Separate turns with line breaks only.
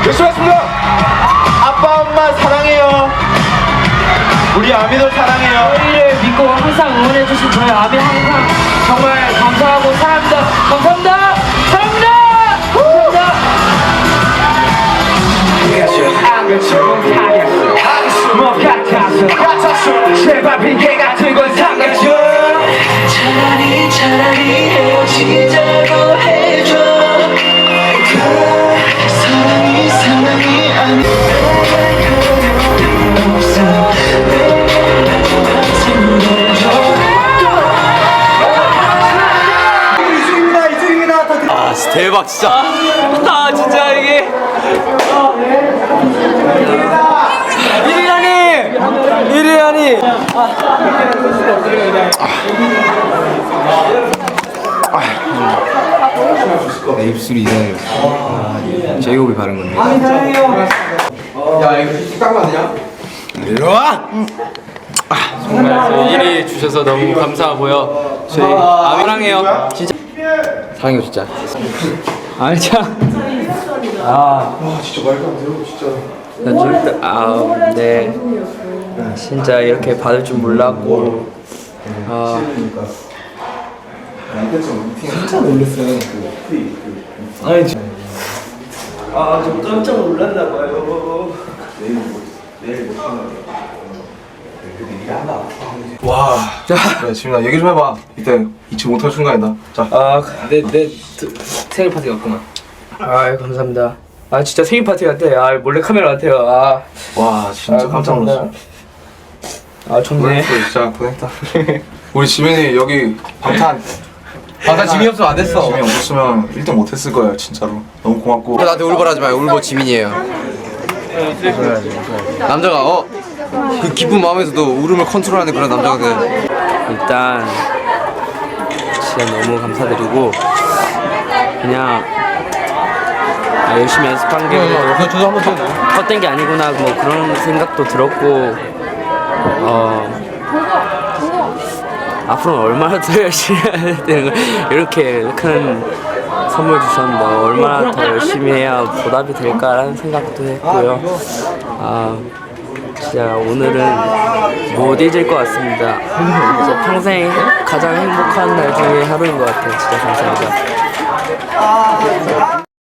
열심히 하겠습니다. 아빠 엄마 사랑해요. 우리 아미들 사랑해요.
저희를 믿고 항상 응원해주신 저희 아미 항상 정말 감사하고 사랑합니다. 감사합니다. 사랑합니다. 감사합니다. 제발 핑계 같은 건 삼가줘. 차라리 헤어지자고 해줘. 사랑이 아니.
대박 진짜. 아 진짜 이게. 이리라니.
내 입술이 이상해졌어. 제이홉이 바른 건데.
야 이거 딱 맞냐?
이리와.
정말 저희 1위 주셔서 너무 감사하고요. 저희 사랑해요. 진짜
사랑해요 진짜.
아니 참.
진짜 말도 안 돼요 진짜.
네. 진짜 이렇게 받을 줄 몰랐고.
진짜 놀랐어요.
좀 깜짝 놀랐나 봐요.
와. 자, 지민아 얘기 좀 해봐. 이때 잊지 못할 순간이다. 자.
내 생일 파티 같구만. 아 감사합니다. 아 진짜 생일 파티 같아. 아 몰래 카메라 같아요.
와 진짜 깜짝 놀랐어.
좋네.
고생했어 진짜 고생했다. 우리 지민이 여기 방탄
지민이 없으면 안 됐어.
지민이 없었으면 1등 못했을 거야 진짜로. 너무 고맙고.
나한테 울보라지 마요. 울보 지민이에요. 남자가 그 기쁜 마음에서도 울음을 컨트롤하는 그런 남자가 돼.
일단 진짜 너무 감사드리고 그냥 열심히 연습한 게
저도 한번 줘.
헛된 게 아니구나 뭐 그런 생각도 들었고 앞으로는 얼마나 더 열심히 해야 되는 거 이렇게 큰 선물 주셨는데 얼마나 더 열심히 해야 보답이 될까라는 생각도 했고요. 진짜 오늘은 못 잊을 것 같습니다. 진짜 평생 가장 행복한 날 중에 하루인 것 같아요. 진짜 감사합니다.